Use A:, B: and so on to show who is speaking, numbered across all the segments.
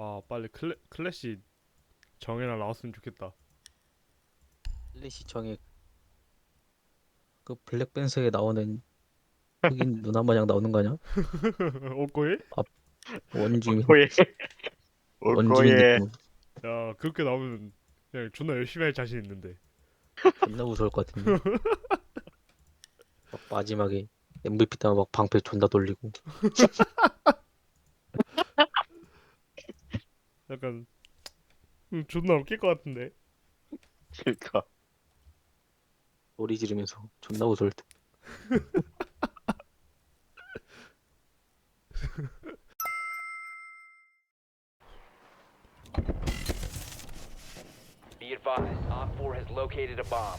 A: 아 빨리 클래시 정예나 나왔으면 좋겠다.
B: 플래시 정에 그 블랙팬서에 나오는 흑인 누나 마냥 나오는 거 아니야?
A: 오코에?
B: 아, 원주민
C: 오코에
B: 원주민
C: 오코에
B: 느낌.
A: 야 그렇게 나오면 그냥 존나 열심히 할 자신 있는데.
B: 존나 무서울 것 같은데. 막 마지막에 MVP 따면 막 방패 존나 돌리고
A: 약간 존나 웃길 것 같은데.
C: 그니까
B: 소리 지르면서 존나 무서울 때.
D: Be advised, Op 4 has located a bomb.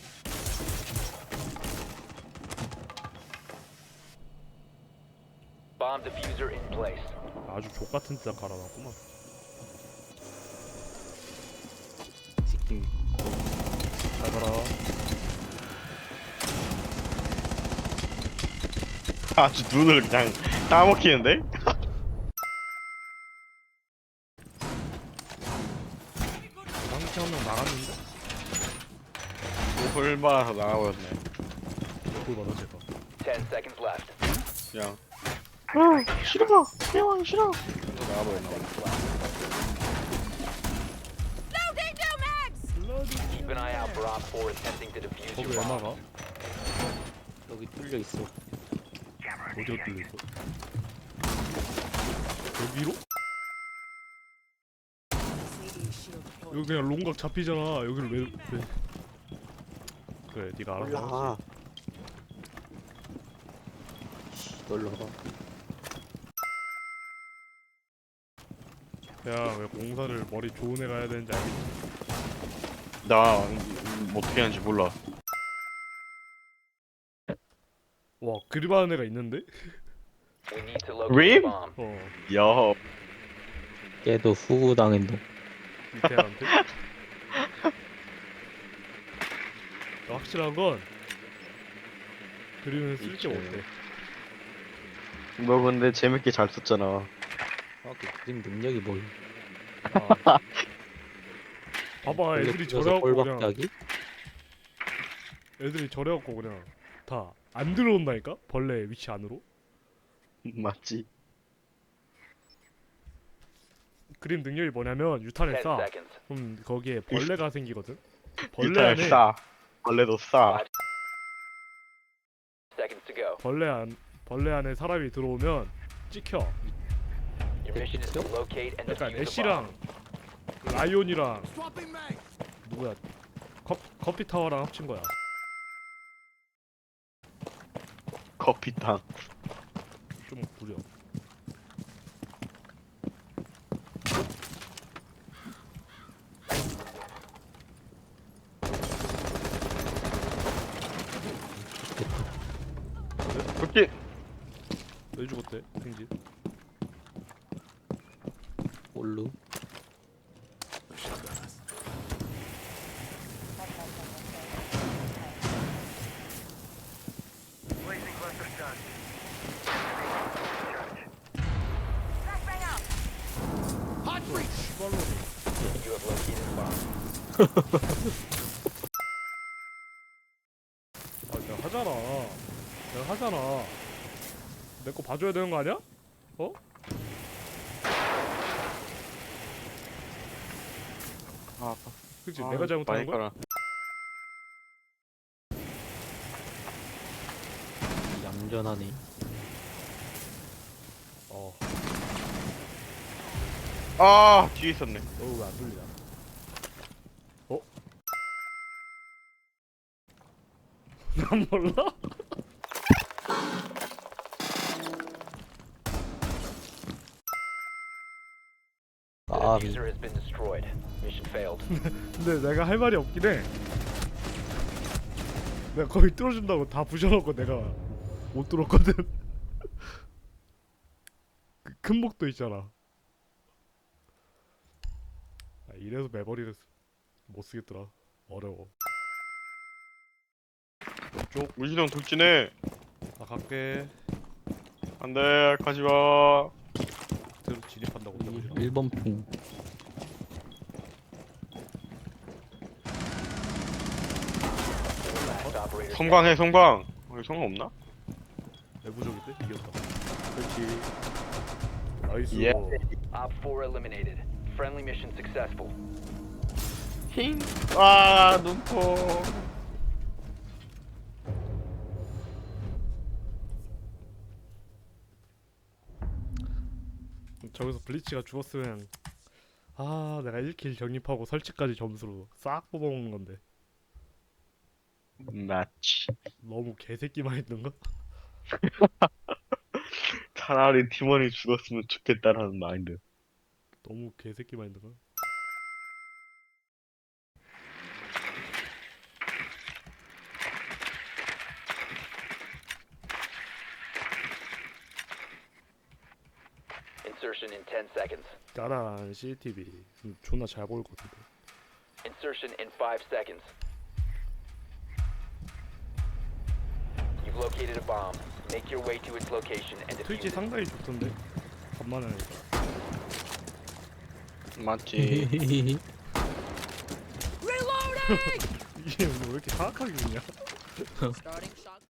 D: Bomb diffuser in place.
A: 아주 족같은 데다 갈아놨구만.
B: 새끼
A: 잘 가라.
C: 아주 눈을 그냥 따먹히는데?
A: 방치 한명 나갔는데?
C: 얼마나 나가버렸네.
A: 뭘 받아 제가.
D: 10 seconds left.
C: 그냥 싫어 대왕 싫어 나가버렸나 봐.
D: Keep an eye out for Op 4 attempting to defuse
A: 거기
D: your
A: 왜
D: bomb.
A: 나가?
B: 여기 뚫려 있어.
A: 어디가 뚫려있어? 여기로? 여기 그냥 롱각 잡히잖아. 여기를 왜... 그래 니가 알아서 하지.
B: 올라. 놀러 가.
A: 야 왜 공사를 머리 좋은 애가 해야 되는지 알겠지?
C: 나 어떻게 하는지 몰라.
A: 와 그립하는 애가 있는데?
D: We need to locate
C: Reem?
D: the bomb.
A: 어
C: 야
B: 걔도 후구 당했노.
A: 밑에 애한테? 확실한 건 그림은 쓸게
C: 그치.
A: 못해.
C: 너 근데 재밌게 잘 썼잖아.
B: 아, 그 그림 능력이 뭐야?
A: 아. 봐봐 애들이 저래갖고 그냥
B: 꼴박자기?
A: 애들이 저래갖고 그냥 다 안 들어온다니까? 벌레 위치 안으로?
C: 맞지?
A: 그림 능력이 뭐냐면 유탄을
D: 10
A: 쏴.
D: seconds.
A: 그럼 거기에 벌레가 생기거든? 벌레
C: 일단
A: 안에
C: 싸. 벌레도 싸.
D: 5 seconds to go.
A: 벌레 안에 사람이 들어오면 찍혀.
D: Your mission is to locate and
A: 약간
D: defuse the bomb.
A: 애쉬랑 라이온이랑 누구야? 커피 타워랑 합친 거야.
C: 커피탕.
A: 좀 구려.
C: 그렇게
A: 왜 죽었대? 생진.
B: 올루.
D: You have located the bomb.
A: 아 내가 하잖아. 내가 하잖아. 내 거 봐줘야 되는 거 아니야? 어?
C: 아,
A: 그치? 내가 잘못하는 거야?
B: 얌전하네.
A: 어.
C: 아 뒤에 있었네.
A: 너 왜 안 돌리냐? 어? 난 몰라?
D: The
B: 까비.
D: diffuser has been destroyed. Mission failed.
A: 근데 내가 할 말이 없긴 해. 내가 거의 뚫어준다고 다 부셔놓고 내가 못 뚫었거든. 그 큰 목도 있잖아. 아, 이래서 매버리를 못 쓰겠더라. 어려워. 쪽,
C: 우지동 돌진해.
A: 나 갈게.
C: 안돼 가지마.
A: 새로 진입한다고 그러죠.
B: 1번 핑.
D: Last operator
C: 성광해 성광. 여기 성광 없나?
A: 내부적인데 이겼다. 그렇지. 나이스.
C: 예.
D: Op 4 eliminated. Friendly mission successful.
C: 힝. 아 눈포.
A: 저기서 블리치가 죽었으면 아 내가 1킬 적립하고 설치까지 점수로 싹 뽑아먹는 건데
C: 맞지.
A: 너무 개새끼만 했던가?
C: 차라리 팀원이 죽었으면 좋겠다라는 마인드.
A: 너무 개새끼만 했던가?
D: Insertion in 10 seconds.
A: 짜란 CCTV 존나 잘 보일 것 같은데.
D: Insertion in 5 seconds. You've located a bomb. Make your way to its location and
A: 트위치
D: defuse it.
A: 상당히 좋던데 간만에 하니까.
C: 맞지.
A: 이게 왜 이렇게 사악하게 그냥
E: Starting shot.